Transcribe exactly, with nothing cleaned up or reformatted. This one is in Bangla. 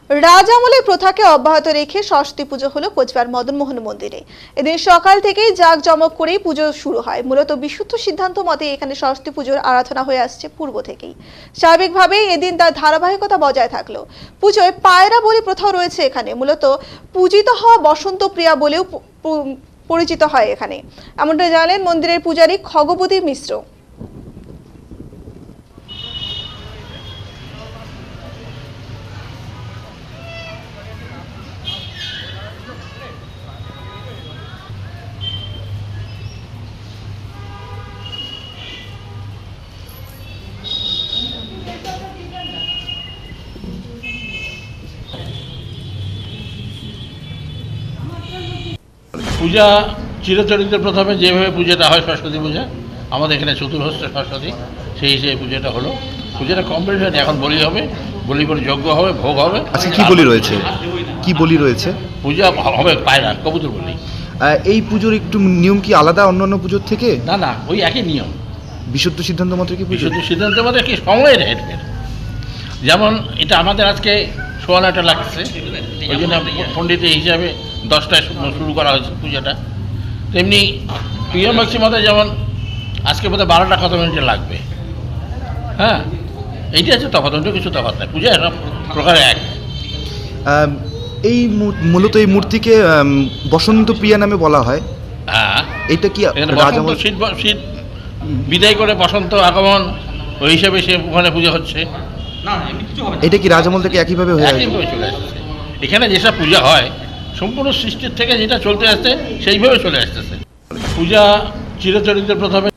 রাজামলের প্রথাকে অব্যাহত রেখে সরস্বতী পুজো হলো কোচবিহার মদনমোহন মন্দিরে। এদিন সকাল থেকেই জাঁকজমক করেই পুজো শুরু হয়। মূলত বিশুদ্ধ সিদ্ধান্ত মতে এখানে সরস্বতী পুজোর আরাধনা হয়ে আসছে পূর্ব থেকেই। স্বাভাবিকভাবেই এদিন তার ধারাবাহিকতা বজায় থাকলো। পুজোয় পায়রা বলি প্রথাও রয়েছে এখানে। মূলত পূজিত হওয়া বসন্ত প্রিয়া বলেও পরিচিত হয় এখানে, এমনটা জানালেন মন্দিরের পূজারী খগবতী মিশ্র। পূজা চিরচরিত প্রথমে যেভাবে পূজাটা হয় সরস্বতী পূজা, আমাদের এখানে চতুর্হস্ত সরস্বতী, সেই হিসেবে পূজাটা হলো। পূজাটা কমপ্লিট হয়নি, এখন বলি হবে, বলি পরে যজ্ঞ হবে, ভোগ হবে। আচ্ছা, কি বলি রয়েছে কি বলি রয়েছে পূজা হবে পায়রা, কবুতর বলি। এই পুজোর একটু নিয়ম কি আলাদা অন্যান্য পুজোর থেকে? না না, ওই একই নিয়ম। বিশুদ্ধ সিদ্ধান্ত মতো কি পুজো? বিশুদ্ধ সিদ্ধান্তের মধ্যে কি সময়ের হেড, যেমন এটা আমাদের আজকে সোয়া নয়টা লাগছে, ওই জন্য পণ্ডিত হিসাবে দশটায় শুরু করা হয়েছে পূজাটা। তেমনি প্রিয় ম্যাক্সিমাতে যেমন আজকে বোধহয় বারোটা কত মিনিটে লাগবে। হ্যাঁ, এইটা হচ্ছে তফাৎ, অন্য কিছু তফাৎ নাই, পূজা সব প্রকারে এক। এই মূলত এই মূর্তিকে বসন্ত প্রিয়া নামে বলা হয়। হ্যাঁ, এটা কি বসন্ত শীত শীত বিদায় করে বসন্ত আগমন, ওই হিসাবে সে ওখানে পূজা হচ্ছে। এটা কি রাজামল থেকে একইভাবে হয়ে একইভাবে চলে আসছে। এখানে যেসব পূজা হয় সম্পূর্ণ সৃষ্টির থেকে যেটা চলতে আসছে সেইভাবে চলে আসতেছে। পূজা চিরচরিত প্রথমে